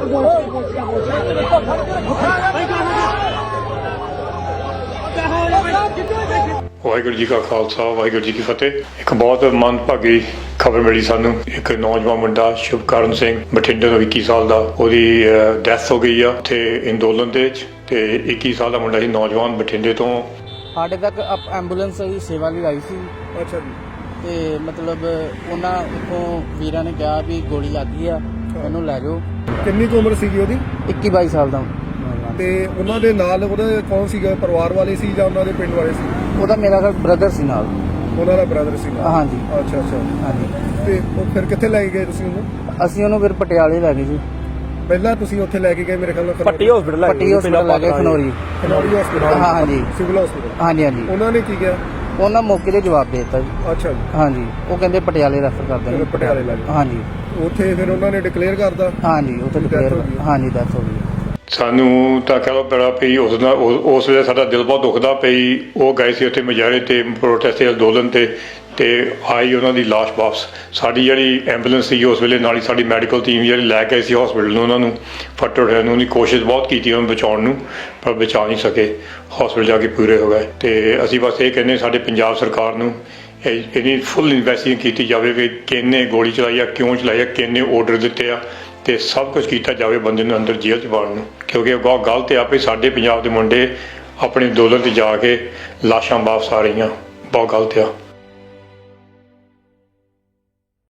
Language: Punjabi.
ਵਾਹਿਗੁਰੂ ਜੀ ਕਾ ਖਾਲਸਾ ਵਾਹਿਗੁਰੂ ਜੀ ਕੀ ਫਤਿਹ। ਇੱਕ ਬਹੁਤ ਮੰਦਭਾਗੀ ਖਬਰ ਮਿਲੀ ਸਾਨੂੰ। ਇੱਕ ਨੌਜਵਾਨ ਮੁੰਡਾ ਸ਼ੁਭਕਰਨ ਸਿੰਘ ਬਠਿੰਡੇ ਦਾ 21 ਸਾਲ ਦਾ, ਉਹਦੀ ਡੈਥ ਹੋ ਗਈ ਆ ਉੱਥੇ ਅੰਦੋਲਨ ਦੇ ਵਿੱਚ। ਤੇ 21 ਸਾਲ ਦਾ ਮੁੰਡਾ ਸੀ, ਨੌਜਵਾਨ, ਬਠਿੰਡੇ ਤੋਂ। ਸਾਡੇ ਤੱਕ ਐਂਬੂਲੈਂਸ ਦੀ ਸੇਵਾ ਲਈ ਆਈ ਸੀ। ਅੱਛਾ ਜੀ। ਤੇ ਮਤਲਬ ਉਹਨਾਂ ਇੱਥੋਂ ਵੀਰਾਂ ਨੇ ਕਿਹਾ ਵੀ ਗੋਲੀ ਲੱਗ ਗਈ ਆ, ਇਹਨੂੰ ਲੈ ਜਾਓ। ਕਿੰਨੀ ਕੁ ਉਮਰ ਸੀਗੀ ਉਹਦੀ? 21-22 ਸਾਲ ਦਾ। ਤੇ ਉਹਨਾਂ ਦੇ ਨਾਲ ਉਹਦੇ ਕੌਣ ਸੀਗਾ? ਪਰਿਵਾਰ ਵਾਲੇ ਸੀ ਜਾਂ ਉਹਨਾਂ ਦੇ ਪਿੰਡ ਵਾਲੇ ਸੀ? ਉਹਦਾ ਮੇਰਾ ਬ੍ਰਦਰ ਸੀ ਨਾਲ। ਉਹਨਾਂ ਦਾ ਬ੍ਰਦਰ ਸੀ ਨਾਲ? ਹਾਂਜੀ। ਅੱਛਾ ਅੱਛਾ। ਹਾਂਜੀ। ਤੇ ਉਹ ਫਿਰ ਕਿੱਥੇ ਲੈ ਕੇ ਗਏ ਤੁਸੀਂ ਉਹਨੂੰ? ਅਸੀਂ ਉਹਨੂੰ ਫਿਰ ਪਟਿਆਲੇ ਲੈ ਗਏ ਜੀ। ਪਹਿਲਾਂ ਤੁਸੀਂ ਉੱਥੇ ਲੈ ਕੇ ਗਏ ਮੇਰੇ ਖਿਆਲ ਨਾਲ ਪੱਟੀ ਹਸਪੀਟਲ ਲੈ ਗਏ, ਖਨੌਰੀ ਹਸਪੀਟਲ। ਹਾਂਜੀ, ਸਿਵਲ ਹਸਪੀਟਲ। ਹਾਂਜੀ ਹਾਂਜੀ। ਉਹਨਾਂ ਨੇ ਕੀ ਕਿਹਾ? ਉਹਨਾਂ ਮੌਕੇ ਤੇ ਜਵਾਬ ਦੇ ਦਿੱਤਾ ਜੀ। ਅੱਛਾ ਜੀ। ਹਾਂਜੀ, ਉਹ ਕਹਿੰਦੇ ਪਟਿਆਲੇ ਰੈਫਰ ਕਰ ਦੇਣਗੇ। ਪਟਿਆਲੇ ਲੈ ਗਏ। ਹਾਂਜੀ। ਉੱਥੇ ਫਿਰ ਉਹਨਾਂ ਨੇ ਡਿਕਲੇਅਰ ਕਰਦਾ? ਹਾਂਜੀ, ਉੱਥੇ ਡਿਕਲੇਅਰ। ਹਾਂਜੀ, ਡੈਥ ਹੋ ਗਈ। ਸਾਨੂੰ ਤਾਂ ਕਹਿ ਲਓ ਬੜਾ ਪਈ ਉਸ ਵੇਲੇ ਸਾਡਾ ਦਿਲ ਬਹੁਤ ਦੁਖਦਾ ਪਈ। ਉਹ ਗਏ ਸੀ ਉੱਥੇ ਮੁਜ਼ਾਹਰੇ ਤੇ, ਪ੍ਰੋਟੈਸਟ ਤੇ, ਅੰਦੋਲਨ ਤੇ ਆਈ ਉਹਨਾਂ ਦੀ ਲਾਸ਼ ਵਾਪਸ। ਸਾਡੀ ਜਿਹੜੀ ਐਂਬੂਲੈਂਸ ਸੀ ਉਸ ਵੇਲੇ ਨਾਲ ਹੀ ਸਾਡੀ ਮੈਡੀਕਲ ਟੀਮ ਜਿਹੜੀ ਲੈ ਕੇ ਆਈ ਸੀ ਹਸਪੀਟਲ ਨੂੰ, ਉਹਨਾਂ ਨੂੰ ਫੱਟ ਉਠਿਆ ਨੂੰ। ਉਹਦੀ ਕੋਸ਼ਿਸ਼ ਬਹੁਤ ਕੀਤੀ ਉਹਨੂੰ ਬਚਾਉਣ ਨੂੰ, ਪਰ ਬਚਾ ਨਹੀਂ ਸਕੇ। ਹਸਪੀਟਲ ਜਾ ਕੇ ਪੂਰੇ ਹੋ ਗਏ। ਤੇ ਅਸੀਂ ਬਸ ਇਹ ਕਹਿੰਦੇ ਸਾਡੇ ਪੰਜਾਬ ਸਰਕਾਰ ਨੂੰ ਇਹਦੀ ਫੁੱਲ ਇਨਵੈਸਟੀਗੇਸ਼ਨ ਕੀਤੀ ਜਾਵੇ ਕਿ ਕਿਹਨੇ ਗੋਲੀ ਚਲਾਈ ਆ, ਕਿਉਂ ਚਲਾਈ ਆ, ਕਿਹਨੇ ਆਰਡਰ ਦਿੱਤੇ ਆ, ਤੇ ਸਭ ਕੁਝ ਕੀਤਾ ਜਾਵੇ ਬੰਦੇ ਨੂੰ ਅੰਦਰ ਜੇਲ੍ਹ 'ਚ ਪਾਉਣ ਨੂੰ। ਕਿਉਂਕਿ ਇਹ ਬਹੁਤ ਗਲਤ ਆ ਵੀ ਸਾਡੇ ਪੰਜਾਬ ਦੇ ਮੁੰਡੇ ਆਪਣੇ ਅੰਦੋਲਨ 'ਤੇ ਜਾ ਕੇ ਲਾਸ਼ਾਂ ਵਾਪਸ ਆ ਰਹੀਆਂ। ਬਹੁਤ ਗਲਤ ਆ।